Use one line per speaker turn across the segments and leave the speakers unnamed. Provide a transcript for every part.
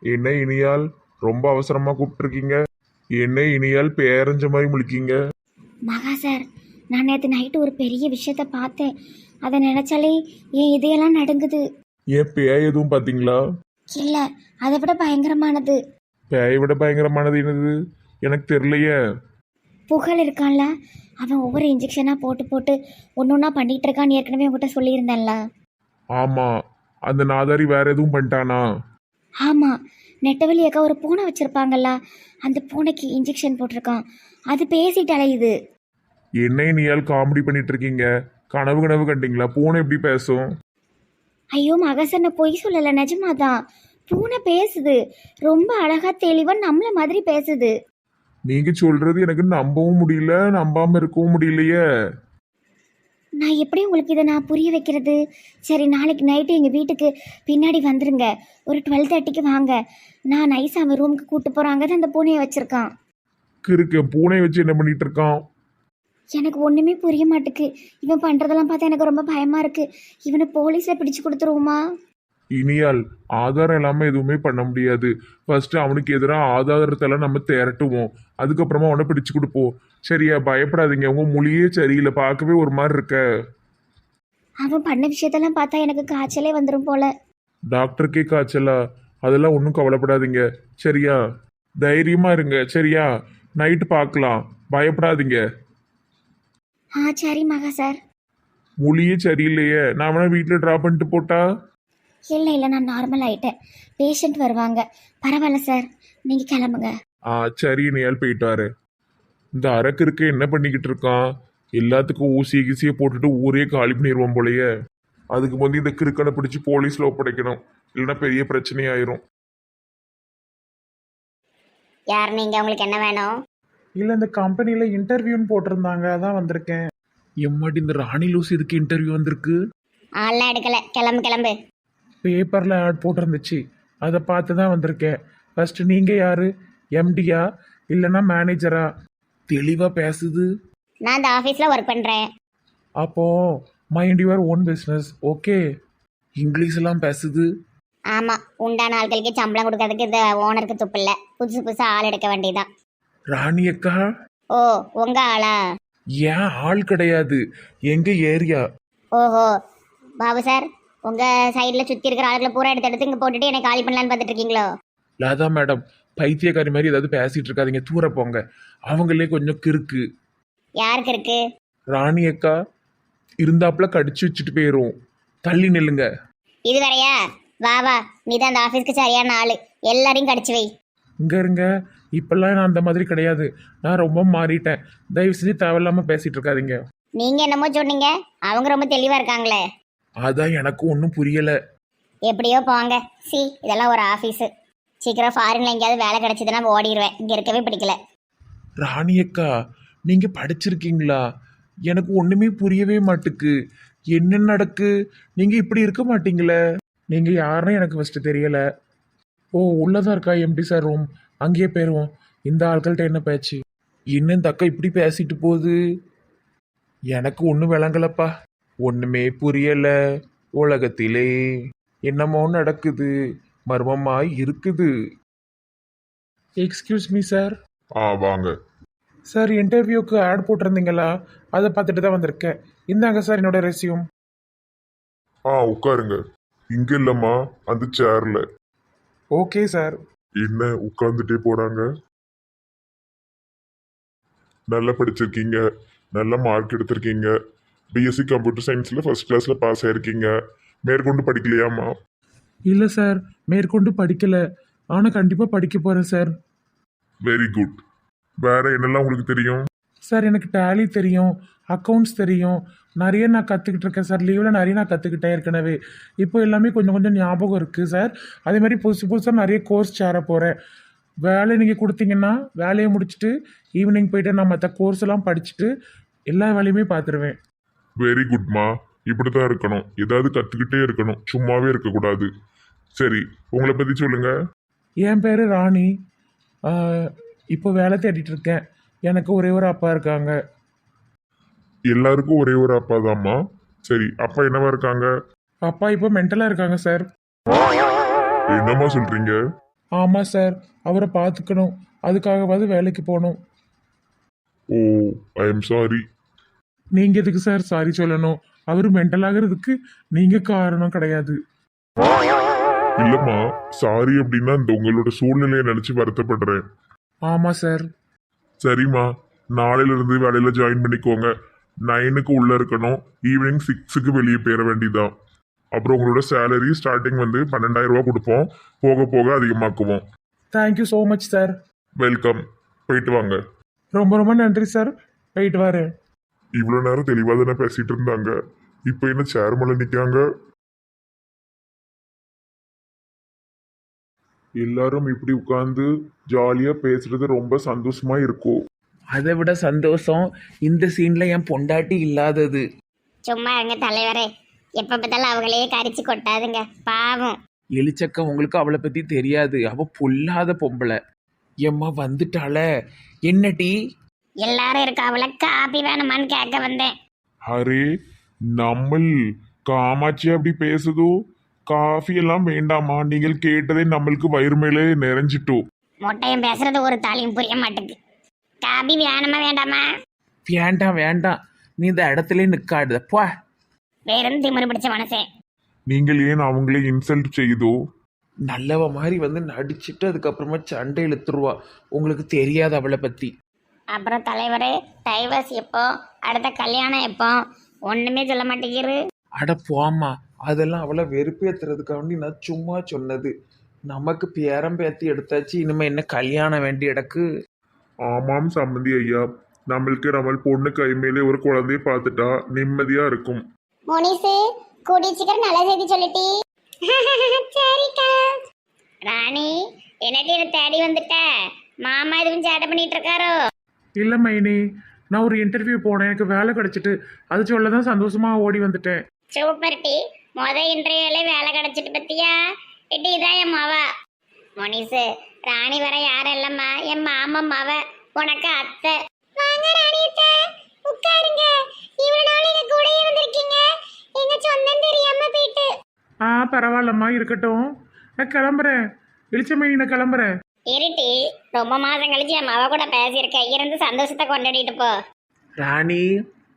என்ன இனியால் ரொம்ப அவசரமா கூப்பிட்டுருக்கீங்க? என்ன இனியால் பேரஞ்ச மாதிரி முழிக்கீங்க?
மகா சார், நான் நேற்று நைட்டு ஒரு பெரிய விஷயத்த பார்த்தேன். அதை நினைச்சாலே என் இதையெல்லாம் நடுங்குது.
ஏன் பேய் எதுவும் பார்த்தீங்களா?
இல்லை, அதை விட பயங்கரமானது.
பேயை விட பயங்கரமானது என்னது? எனக்கு தெரியலையே.
புகழ் இருக்கான்ல, அவன் ஒவ்வொரு இன்ஜெக்ஷனாக போட்டு போட்டு ஒன்று ஒன்றா பண்ணிகிட்டு இருக்கான்னு ஏற்கனவே உங்கள்கிட்ட சொல்லியிருந்தேன்ல.
ஆமா, அந்த நாதாரி வேற எதுவும் பண்ணிட்டானா?
ஆமாம், நெட்டவெளி அக்கா ஒரு பூனை வச்சுருப்பாங்கல்ல, அந்த பூனைக்கு இன்ஜெக்ஷன் போட்டிருக்கான். அது பேசிட்டு அலையுது.
என்ன இனியால் காமெடி பண்ணிட்டு இருக்கீங்க? கனவு கனவு கண்டீங்களா? பூனை எப்படி பேசும்?
ஐயோ மகசன்ன பொய் சொல்லலை, நிஜமாதான். பூனை பேசுது, ரொம்ப அழகா தெளிவா நம்மள மாதிரி பேசுது.
நீங்க சொல்றது எனக்கு நம்பவும் முடியல, நம்பாம இருக்கவும் முடியலையே.
நான் எப்படி உங்களுக்கு இதை நான் புரிய வைக்கிறது? சரி, நாளைக்கு நைட்டு எங்கள் வீட்டுக்கு பின்னாடி வந்துருங்க. ஒரு 12:30க்கு வாங்க. நான் நைஸ் அவன் ரூமுக்கு கூட்டு போகிறாங்க தான் அந்த பூனையை வச்சுருக்கான்.
கிறுக்கு பூனை வச்சு என்ன பண்ணிட்டு இருக்கான்?
எனக்கு ஒன்றுமே புரிய மாட்டுக்கு. இவன் பண்ணுறதெல்லாம் பார்த்தா எனக்கு ரொம்ப பயமாக இருக்குது. இவனை போலீஸில் பிடிச்சு கொடுத்துருவோமா?
இனியால் ஆதாரம் இல்லாம எதுவுமே பண்ண முடியாது. ஃபர்ஸ்ட் அவனுக்கு எதிராக ஆதாரத்தெல்லாம் நம்ம திரட்டுவோம், அதுக்கப்புறமா அவனை பிடிச்சு கொடுப்போம். சரியா? பயப்படாதீங்க. உங்க மொழியே சரியில்லை, பார்க்கவே ஒரு மாதிரி இருக்க.
அவன் பண்ண விஷயத்தெல்லாம் பார்த்தா எனக்கு காய்ச்சலே வந்துடும் போல.
டாக்டருக்கே காய்ச்சலா? அதெல்லாம் ஒன்றும் கவலைப்படாதீங்க. சரியா? தைரியமா இருங்க. சரியா? நைட்டு பார்க்கலாம், பயப்படாதீங்க.
சரி மகா சார்.
மொழியே சரியில்லையே, நான் அவனை வீட்டில் ட்ராப் பண்ணிட்டு போட்டா?
இல்லை இல்லை, நான் நார்மல் ஆகிட்டேன். பேஷண்ட் வருவாங்க. பரவாயில்ல சார், நீங்கள் கிளம்புங்க.
சரி, நேல் போயிட்டு வாரு. இந்த அரக்கு இருக்க என்ன பண்ணிக்கிட்டு இருக்கான்? எல்லாத்துக்கும் ஊசிய கீசியை போட்டுட்டு ஊரே காலி பண்ணிடுவோம் போலயே. அதுக்கு வந்து இந்த கிறுக்கனை பிடிச்சி போலீஸ்ல ஒப்படைக்கணும், இல்லைன்னா பெரிய பிரச்சனையாயிரும்.
யார் நீங்க? உங்களுக்கு என்ன வேணும்?
இல்லை, இந்த கம்பெனியில் இன்டர்வியூன்னு போட்டிருந்தாங்க, அதான் வந்திருக்கேன்.
எம்மாடி, இந்த ராணி லூஸ் இதுக்கு இன்டர்வியூ வந்திருக்கு?
ஆள்லாம் எடுக்கல, கிளம்பு கிளம்பு.
பேப்பரில் ஆட் போட்டிருந்துச்சு, அதை பார்த்து தான் வந்திருக்கேன். ஃபஸ்ட்டு நீங்கள் யார்? எம்டியா இல்லைன்னா மேனேஜரா?
தெளிவா பேசுது.
நான் இந்த ஆஃபீஸில் ஒர்க் பண்ணுறேன்.
அப்போது mind your own business. Okay.
English எல்லாம் பேசுது.
ஆமாம், உண்டான ஆட்களுக்கு சம்பளம் கொடுக்கறதுக்கு இந்த ஓனருக்கு துப்பு இல்லை. புதுசு புதுசாக ஆள் எடுக்க வேண்டியதான்.
ராணி அக்கா?
ஓ, உங்க ஆளா?
ஏன் ஆள் கிடையாது, எங்க ஏரியா.
ஓஹோ, பாபு சார், உங்கள் சைடில் சுற்றி இருக்கிற ஆளுகளை பூரா எடுத்து எடுத்து இங்கே போட்டுட்டு என்னை காலி பண்ணலான்னு பார்த்துட்டு இருக்கீங்களோ?
லாதா மேடம், பைத்தியக்காரி மாதிரி ஏதாவது பேசிட்டு இருக்காதீங்க, தூர போங்க. அவங்களே கொஞ்சம் கிறுக்கு.
யாருக்கு இருக்கு?
ராணி அக்கா இருந்தாப்புல கடிச்சு வச்சுட்டு போயிரும். தள்ளி நில்லுங்க.
இது வேறையா? வா வா, நீ தான் அந்த ஆஃபீஸ்க்கு சரியான ஆள். எல்லாரையும் கடிச்சு வை.
இங்கே இருங்க. இப்போல்லாம் நான் அந்த மாதிரி கிடையாது, நான் ரொம்ப மாறிட்டேன். தயவு செஞ்சு தேவையில்லாமல் பேசிகிட்டு இருக்காதீங்க.
நீங்கள் என்னமோ சொன்னீங்க, அவங்க ரொம்ப தெளிவாக இருக்காங்களே.
அதான் எனக்கும் ஒன்றும் புரியல.
எப்படியோ போங்க. இதெல்லாம் ஒரு ஆஃபீஸு. சீக்கிரம் ஃபாரின்ல எங்கேயாவது வேலை கிடைச்சதுன்னா ஓடிடுவேன். இங்கே இருக்கவே பிடிக்கல.
ராணி அக்கா, நீங்க படிச்சிருக்கீங்களா? எனக்கு ஒண்ணுமே புரியவே மாட்டுக்கு. என்ன நடக்கு? நீங்க இப்படி இருக்க மாட்டீங்களே.
நீங்கள் யாருன்னு எனக்கு ஃபஸ்ட்டு தெரியலை. ஓ, உள்ளதான் இருக்கா எம்டி சார் ரூம்? அங்கேயே போயிடுவோம். இந்த ஆட்கள்கிட்ட என்ன பேச்சு?
என்ன இந்த அக்கா இப்படி பேசிட்டு போகுது? எனக்கு ஒன்றும் விளங்கலப்பா, ஒண்ணுமே புரியல. உலகத்திலே என்னமோ நடக்குது, மர்மமாய் இருக்குது.
Excuse me sir.
வாங்க.
சார், இன்டர்வியூக்கு ஆட் போட்டிருந்தீங்களா? அதை பார்த்துட்டு தான் வந்திருக்கேன். இந்தாங்க சார் என்னோட ரெஸ்யூம்.
உட்காருங்க. இங்க இல்லம்மா, அந்த சேர்ல.
Okay sir.
என்ன உட்கார்ந்துட்டே போறாங்க? நல்லா படிச்சிருக்கீங்க, நல்ல மார்க் எடுத்திருக்கீங்க, பிஎஸ்சி கம்ப்யூட்டர் சயின்ஸ்ல ஃபர்ஸ்ட் கிளாஸ்ல பாஸ் ஆயிருக்கீங்க. மேற்கொண்டு படிக்கலையாம்மா?
இல்லை சார், மேற்கொண்டு படிக்கலை. ஆனால் கண்டிப்பாக படிக்க போகிறேன் சார்.
Very good. வேற என்னெல்லாம் உங்களுக்கு தெரியும்?
சார், எனக்கு டேலி தெரியும், அக்கௌண்ட்ஸ் தெரியும், நிறைய நான் கற்றுக்கிட்டு இருக்கேன் சார். லீவில் நிறைய நான் கற்றுக்கிட்டேன் ஏற்கனவே. இப்போ எல்லாமே கொஞ்சம் கொஞ்சம் ஞாபகம் இருக்குது சார். அதே மாதிரி புதுசு புதுசாக நிறைய கோர்ஸ் சேர போகிறேன். வேலை நீங்கள் கொடுத்தீங்கன்னா வேலையை முடிச்சுட்டு ஈவினிங் போயிட்டு நான் மற்ற கோர்ஸ் எல்லாம் படிச்சுட்டு எல்லா வேலையுமே பார்த்துருவேன்.
வெரி குட்மா, இப்படித்தான் இருக்கணும். ஏதாவது கத்துக்கிட்டே இருக்கணும், சும்மாவே இருக்கக்கூடாது. சரி, உங்களை பத்தி சொல்லுங்க.
என் பேர் ராணி. இப்போ வேலை தேடிட்டு இருக்கேன். எனக்கு ஒரே ஒரு அப்பா இருக்காங்க.
எல்லாருக்கும் ஒரே ஒரு அப்பா தான்மா? சரி, அப்பா என்னவா இருக்காங்க?
அப்பா இப்போ மென்டலாக இருக்காங்க சார்.
என்னம்மா சொல்றீங்க?
ஆமாம் சார், அவரை பார்த்துக்கணும், அதுக்காகவாது வேலைக்கு போகணும்.
Oh, I am sorry.
நீங்கள் எதுக்கு சார் சாரி சொல்லணும்? அவர் மென்டல் ஆகிறதுக்கு நீங்கள் காரணம் கிடையாது.
இல்லம்மா, சாரி அப்படின்னா இந்த உங்களோட சூழ்நிலையை நினைச்சு வருத்தப்படுறேன்.
ஆமாம் சார்.
சரிம்மா, நாளையில இருந்து வேலையில ஜாயின் பண்ணிக்கோங்க. 9க்கு உள்ள இருக்கணும், ஈவினிங் 6க்கு வெளியே போயிட வேண்டியதான். அப்புறம் உங்களோட சேலரி ஸ்டார்டிங் வந்து 12,000 ரூபா கொடுப்போம், போக போக அதிகமாக்குவோம்.
Thank you so much sir.
Welcome. போயிட்டு வாங்க.
ரொம்ப ரொம்ப நன்றி சார். போயிட்டு வரேன்.
இவ்வளோ நேரம் தெளிவாக தானே பேசிட்டு இருந்தாங்க, இப்போ என்ன சேர் மேலே நிற்காங்க? எல்லாரும் இப்படி உட்கார்ந்து ஜாலியாக பேசுறது ரொம்ப சந்தோஷமா இருக்கும்.
அதை விட சந்தோஷம் இந்த சீன்ல என் பொண்டாட்டி இல்லாதது.
சும்மா இருங்க தலைவரே, எப்போ பார்த்தாலும் அவங்களையே கரிச்சு கொட்டாதுங்க, பாவம்.
எலிச்சக்க உங்களுக்கு அவளை பத்தி தெரியாது, அவ பொல்லாத பொம்பளை. எம்மா வந்துட்டாள, என்ன டீ?
எல்லாரும் இருக்காவல, காப்பி வேணுமான்னு கேட்க வந்தேன்.
அரே, நம்மள் காமாட்சி அப்படி பேசுதோ? காஃபி எல்லாம் வேண்டாமா? நீங்கள் கேட்டதே நம்மளுக்கு வயிறு மேலே நிறைஞ்சிட்டோம்.
மொட்டையும் பேசுறது ஒரு தாலியும் புரிய மாட்டேங்குது. காபி வேணுமா வேண்டாமா?
வேண்டாம் வேண்டாம், நீ இந்த இடத்துல நிக்காடுத போ.
வேறும் திமிரு பிடிச்ச மனசே.
நீங்கள் ஏன் அவங்களே இன்சல்ட் செய்தோ?
நல்லவ மாதிரி வந்து நடிச்சிட்டு அதுக்கப்புறமா சண்டை இழுத்துருவா. உங்களுக்கு தெரியாது அவளை பத்தி.
அப்புறம் தலைவரே, டைவர்ஸ் எப்போ, அடுத்த கல்யாணம் எப்போ, ஒண்ணுமே சொல்ல மாட்டேங்கிறது.
அட போம்மா, அதெல்லாம் அவளை வெறுப்பேத்துறதுக்காண்டி நான் சும்மா சொன்னது. நமக்கு பேரம் பேத்தி எடுத்தாச்சு, இனிமே என்ன கல்யாணம் வேண்டிய இடக்கு.
ஆமாம் சம்மந்தி ஐயா, நம்மளுக்கு நம்ம பொண்ணு கை மேலே ஒரு குழந்தைய பார்த்துட்டா நிம்மதியா இருக்கும்.
மோனிசு, கூடிய சீக்கிரம் நல்ல செய்தி சொல்லிட்டி. சரிக்கா. ராணி, என்னடி என்ன தேடி வந்துட்ட? மாமா எதுவும் சேட்டை பண்ணிட்டு இருக்காரோ?
இல்லை மைனி, நான் ஒரு இன்டர்வியூ போனேன், எனக்கு வேலை கிடைச்சிட்டு அது சொல்ல தான் சந்தோஷமாக ஓடி வந்துட்டேன்.
சூப்பர் டி, இன்டர்வியூல வேலை கிடைச்சிட்டு பத்தியா? இட்டி இதான் என் மாவா. மோனிசு, ராணி வர யாரும் இல்லம்மா, என் மாமா மாவ, உனக்கு அத்தை. வாங்க ராணியத்தை, உட்காருங்க. இவ்வளவு நாள் எங்க கூடயே வந்திருக்கீங்க, எங்க சொந்தம் தெரியாம போயிட்டு.
பரவாயில்லம்மா, இருக்கட்டும், நான் கிளம்புறேன். வெளிச்ச மைனி, நான் கிளம்புறேன்.
இருட்டி, ரொம்ப மாதம் கழிச்சு என் மாவ கூட பேசியிருக்கேன், இருந்து சந்தோஷத்தை கொண்டாடிட்டு போ.
ராணி,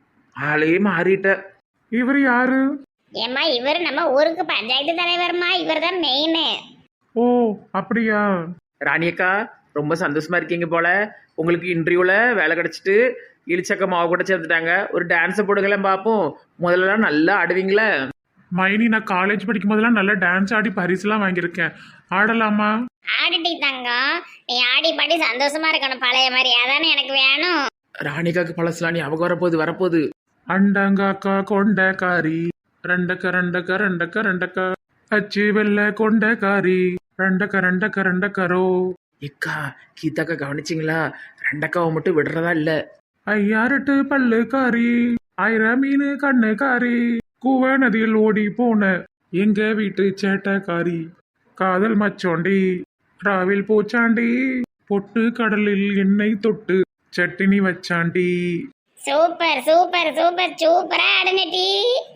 ஆளே மாறிட்ட.
இவர் யாரு?
ஏம்மா, இவர் நம்ம ஊருக்கு பஞ்சாயத்து தலைவர்மா, இவர் தான் மெயின்.
ஓ, அப்படியா?
ராணியக்கா, ரொம்ப சந்தோஷமா இருக்கீங்க போல. உங்களுக்கு இன்டர்வியூல வேலை கிடைச்சிட்டு இழிச்சக்க மாவு கூட சேர்ந்துட்டாங்க. ஒரு டான்ஸை போடுங்களேன் பார்ப்போம். முதல்லலாம் நல்லா ஆடுவீங்களே.
மைனி, நான் காலேஜ் படிக்கும் போதெல்லாம் நல்லா டான்ஸ் ஆடி பரிசுலாம் வாங்கியிருக்கேன். ஆடலாமா?
ஆடிட்டி தங்கம், நீ ஆடி பாடி சந்தோஷமா இருக்கணும் பழைய மாதிரி, அதானே எனக்கு வேணும்.
ராணிக்காக்கு பழசலாம் ஞாபகம் வரப்போகுது.
அண்டங்காக்கா கொண்டக்காரி, ரெண்டக்க ரெண்டக்க ரெண்டக்க ரெண்டக்க, அச்சு வெள்ள கொண்டக்காரி, ரெண்டக்க ரெண்டக்க ரெண்டக்கரோ.
ஏக்கா, கீதாக்கா கவனிச்சிங்களா? ரெண்டக்காவை மட்டும் விடுறதா இல்ல.
ஐயாரெட்டு பல்லுக்காரி, 1000 மீன் கண்ணுக்காரி, கூவ நதியில் ஓடி போன எங்க வீட்டு சேட்டக்காரி, காதல் மச்சோண்டி, ராவில் பூச்சாண்டி, பொட்டு கடலில் எண்ணெய் தொட்டு சட்டினி வச்சாண்டி.
சூப்பர் சூப்பர் சூப்பர், சூப்பரா ஆடுனடி.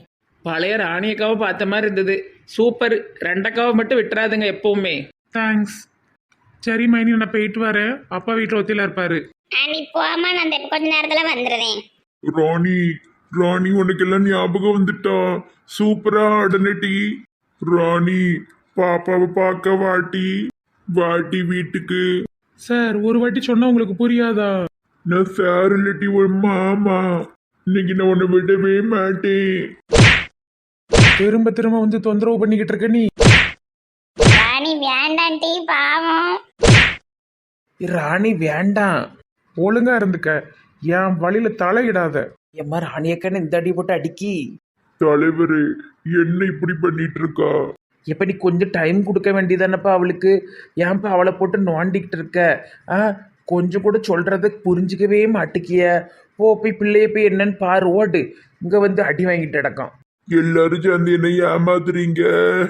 பழைய ராணியக்காவை பார்த்த மாதிரி இருந்தது. சூப்பர். ரெண்டக்காவை மட்டும் விட்டுறாதுங்க எப்பவுமே.
தேங்க்ஸ். சரி மைனி, நான் போயிட்டு வரேன். அப்பா வீட்டில் ஒத்தியில் இருப்பாரு.
நீ போமா, நான் இந்த கொஞ்ச நேரத்துல வந்துடுறேன்.
ராணி, ராணி உனக்கு எல்லாம் ஞாபகம் வந்துட்டா? சூப்பரா ஆடனடி. ராணி, பாப்பாவை பார்க்க வாட்டி, வாட்டி வீட்டுக்கு.
சார், ஒரு வாட்டி சொன்னா உங்களுக்கு புரியாதா?
நான் சார் இல்லட்டி ஒரு மாமா, இன்னைக்கு நான் உன்னை விடவே மாட்டேன்.
திரும்ப திரும்ப வந்து தொந்தரவு பண்ணிக்கிட்டு இருக்க நீ.
ராணி வேண்டாம் டி, பாவம்.
ராணி வேண்டாம்.
ஒழுங்கா இருந்துக்க, என் வழியில தலையிடாத.
எம்மா, ராணியக்கான்னு இந்த அடி போட்டு அடிக்கி.
தலைவரு, என்ன இப்படி பண்ணிட்டு இருக்கா?
எப்ப நீ கொஞ்சம் டைம் கொடுக்க வேண்டியதானப்பா அவளுக்கு. ஏன்ப்பா அவளை போட்டு நோண்டிக்கிட்டு இருக்க? கொஞ்சம் கூட சொல்றத புரிஞ்சிக்கவே மாட்டிக்கிய. போய் பிள்ளைய போய் என்னன்னு பாரு, ஓடு. இங்க வந்து அடி வாங்கிட்டு கிடக்கும்.
எல்லாரும் சேர்ந்து என்ன ஏமாத்துறீங்க.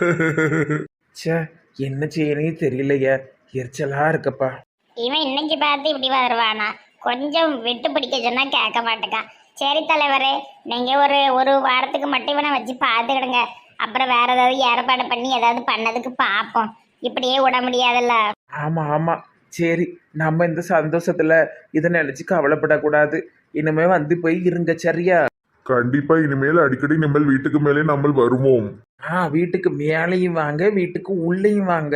ச்சே, என்ன செய்யணும் தெரியலையே, எரிச்சலா இருக்கப்பா.
இவன் இன்னைக்கு பார்த்து இப்படி வருவானா? கொஞ்சம் விட்டு பிடிக்க சொன்னா கேட்க மாட்டேக்கான். சரி தலைவரே, நீங்க ஒரு வாரத்துக்கு மட்டும் இவனை வச்சு பார்த்துக்கிடுங்க. அப்புறம் வேற ஏதாவது ஏற்பாடு பண்ணி ஏதாவது பண்ணதுக்கு பார்ப்போம். இப்படியே விட முடியாதுல்ல.
ஆமாம் ஆமாம், சரி. நம்ம இந்த சந்தோஷத்தில் இதை நினச்சி கவலைப்படக்கூடாது. இனிமே வந்து போய் இருங்க, சரியா?
கண்டிப்பா இனிமேல் அடிக்கடி நம்ம வீட்டுக்கு மேலே நம்ம வருவோம்.
வீட்டுக்கு மேலேயும் வாங்க, வீட்டுக்கு உள்ளேயும் வாங்க.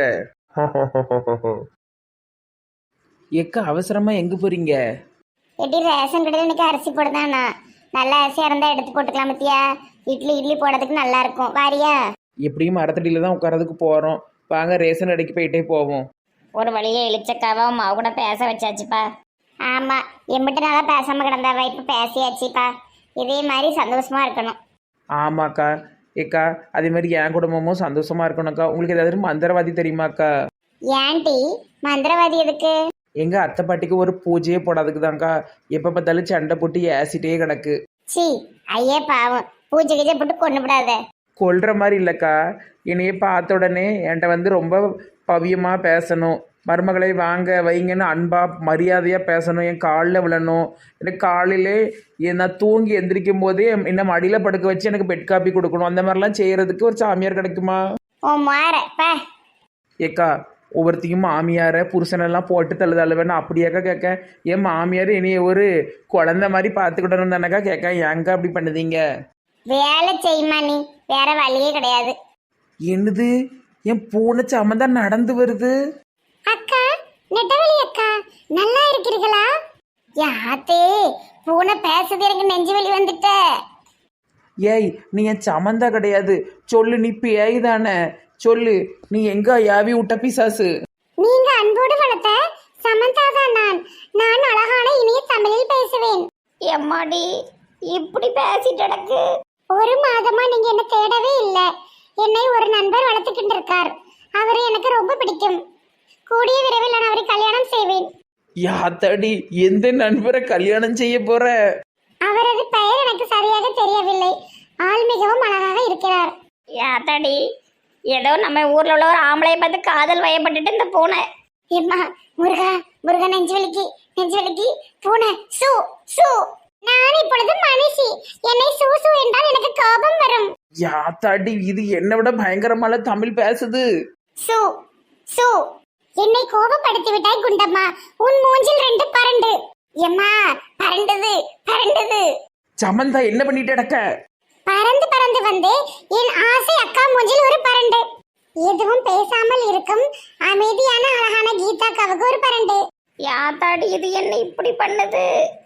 எக்க அவசரமா எங்க போறீங்க?
எப்படி ரேஷன் கடையில் இன்னைக்கு அரிசி போடுதானா? நல்ல அரிசியாக இருந்தால் எடுத்து போட்டுக்கலாம் பத்தியா? இட்லி போடுறதுக்கு நல்லா இருக்கும். வாரியா?
எப்படியும் மரத்தடியில தான் உட்காரதுக்கு போறோம். வாங்க ரேஷன் கடைக்கு போயிட்டே போவோம்.
ஒரு வழியே இழிச்சக்காவும் மாவு கூட பேச வச்சாச்சுப்பா. ஆமா, எம்பிட்டு நாளா பேசாம கிடந்தாவா, இப்ப பேசியாச்சுப்பா. இதே மாதிரி சந்தோஷமா இருக்கணும்.
ஆமாக்கா. ஏக்கா அதே மாதிரி என் குடும்பமும் சந்தோஷமா இருக்கணும்க்கா. உங்களுக்கு ஏதாவது மந்திரவாதி தெரியுமாக்கா?
ஏன்டி மந்திரவாதி எதுக்கு?
எங்க அத்தை பாட்டிக்கு ஒரு பூஜையே போடாதுக்கு தான்க்கா. எப்ப பார்த்தாலும் சண்டை போட்டு ஏசிட்டே கிடக்கு.
சி, ஐயே பாவம், பூஜை கீஜை போட்டு கொண்டு விடாத.
கொல்ற மாதிரி இல்லைக்கா. என்னையே பார்த்த உடனே என்கிட்ட வந்து ரொம்ப பவியமாக பேசணும். மருமகளை வாங்க வைங்கன்னு அன்பாக மரியாதையாக பேசணும். என் காலில் விழணும். எனக்கு காலையிலே நான் தூங்கி எந்திரிக்கும் போதே என்ன மடியில் படுக்க வச்சு எனக்கு பெட் காப்பி கொடுக்கணும். அந்த மாதிரிலாம் செய்கிறதுக்கு ஒரு சாமியார் கிடைக்குமா?
ஓ மாற பா.
ஏக்கா ஒவ்வொருத்தையும் மாமியாரை புருஷனெல்லாம் போட்டு தள்ளுவேன்னு அப்படியாக்கா கேட்க? என் மாமியார் என்னைய ஒரு குழந்தை மாதிரி பார்த்துக்கிடணும் தானக்கா கேட்க. ஏங்க அப்படி பண்ணுதீங்க?
வேலை செய்யுமா நீ, வேற வழியே கிடையாது.
என்னது, என் பூனை சமந்தான் நடந்து வருது.
அக்கா, நெட்டவழி அக்கா, நல்லா இருக்கிறீங்களா? யாத்தே பூனை பேசுது, எனக்கு நெஞ்சு வலி வந்துட்ட.
ஏய், நீ என் சமந்தா கிடையாது. சொல்லு, நீ பேய் தானே? சொல்லு, நீ எங்க யாவி விட்ட பிசாசு?
நீங்க அன்போடு வளர்த்த சமந்தா தான் நான் அழகான இனிய தமிழில் பேசுவேன். எம்மாடி இப்படி பேசிட்டு கிடக்கு. ஒரு மாதமா நீங்க என்ன தேடவே இல்லை. என்னை ஒரு நண்பர் வளர்த்துக்கிட்டு இருக்கார். அவரை எனக்கு ரொம்ப பிடிக்கும். கூடிய விரைவில் நான் அவரை கல்யாணம் செய்வேன்.
யாத்தாடி, எந்த நண்பரை கல்யாணம் செய்ய போற?
அவரது பெயர் எனக்கு சரியாக தெரியவில்லை. ஆள் மிகவும் அழகாக இருக்கிறார். யாத்தாடி, ஏதோ நம்ம ஊர்ல உள்ள ஒரு ஆம்பளையை பார்த்து காதல் வயப்பட்டுட்டு இந்த பூனை. எம்மா, முருகா முருகா, நெஞ்சு வலிக்கு பூனை சூ சூ. நான் இப்பொழுது மனுஷி. என்னை சூ சூ என்றால் எனக்கு கோபம் வரும்.
யாத்தாடி, இது என்னை விட பயங்கரமான தமிழ் பேசுது.
சூ சூ. என்னை கோபப்படுத்தி விட்டாய் குண்டம்மா. உன் மூஞ்சில் 2 பரண்டு. எம்மா, பரண்டது.
சமந்தா என்ன பண்ணிட்டு கிடக்க?
பறந்து வந்து என் ஆசை அக்கா மூஞ்சில் ஒரு பரண்டு. எதுவும் பேசாமல் இருக்கும் அமைதியான அழகான கீதாக்காவுக்கு ஒரு பரண்டு. யாத்தாடி, இது என்ன இப்படி பண்ணுது?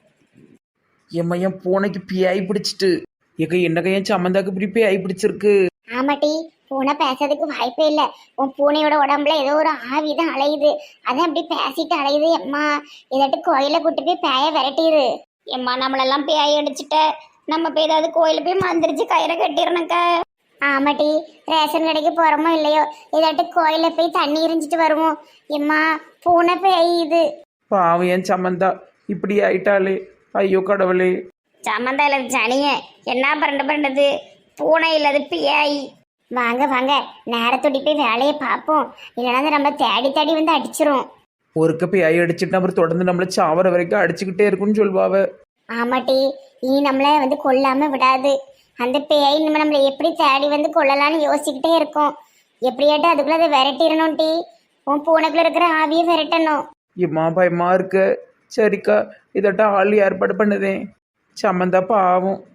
என் பூனைக்கு பியாய் பிடிச்சிட்டு. ஏக்க என்னக்கா என் சமந்தாக்கு இப்படி பியாய் பிடிச்சிருக்கு?
ஆமாட்டி, பூனை பேசுறதுக்கு வாய்ப்பே இல்லை. உன் பூனையோட உடம்புல ஏதோ ஒரு ஆவிதான் அலையுது. அதான் அப்படி பேசிட்டு அலையுது. எம்மா, இதாட்டு கோயில கூட்டு போய் பேய விரட்டிடு. எம்மா, நம்மளெல்லாம் பேய் அடிச்சுட்ட. நம்ம போய் ஏதாவது கோயில போய் மந்திரிச்சு கயிறை கட்டிடணுக்க. ஆமாட்டி, ரேஷன் கடைக்கு போறோமோ இல்லையோ, இதாட்டு கோயில போய் தண்ணி எரிஞ்சிட்டு வருவோம். எம்மா, பூனை பேயுது.
பாவம் என் சமந்தா இப்படி ஆயிட்டாளே. ஐயோ கடவுளே.
சமந்தா இல்லது சனிய என்ன பரண்டது? பூனை இல்லது பேய். வாங்க நேரத்தோடி போய் வேலையை பார்ப்போம். இல்லைன்னா நம்ம தேடி வந்து அடிச்சிரும்.
ஒருக்க பேய் அடிச்சுட்டு அப்புறம் தொடர்ந்து நம்மள சாவர வரைக்கும் அடிச்சுக்கிட்டே இருக்குன்னு சொல்வாவ.
ஆமாட்டி, இனி நம்மளை வந்து கொல்லாம விடாது. அந்த பேய் நம்மளை எப்படி தேடி வந்து கொள்ளலான்னு யோசிச்சுக்கிட்டே இருக்கோம். எப்படியாட்டு அதுக்குள்ள அதை விரட்டிடணும். டி, உன் பூனைக்குள்ள இருக்கிற ஆவியை விரட்டணும்.
எம்மா பயமா இருக்க. சரிக்கா, இதட்ட ஆள் ஏற்பாடு பண்ணுதேன். சமந்தா பாவம்.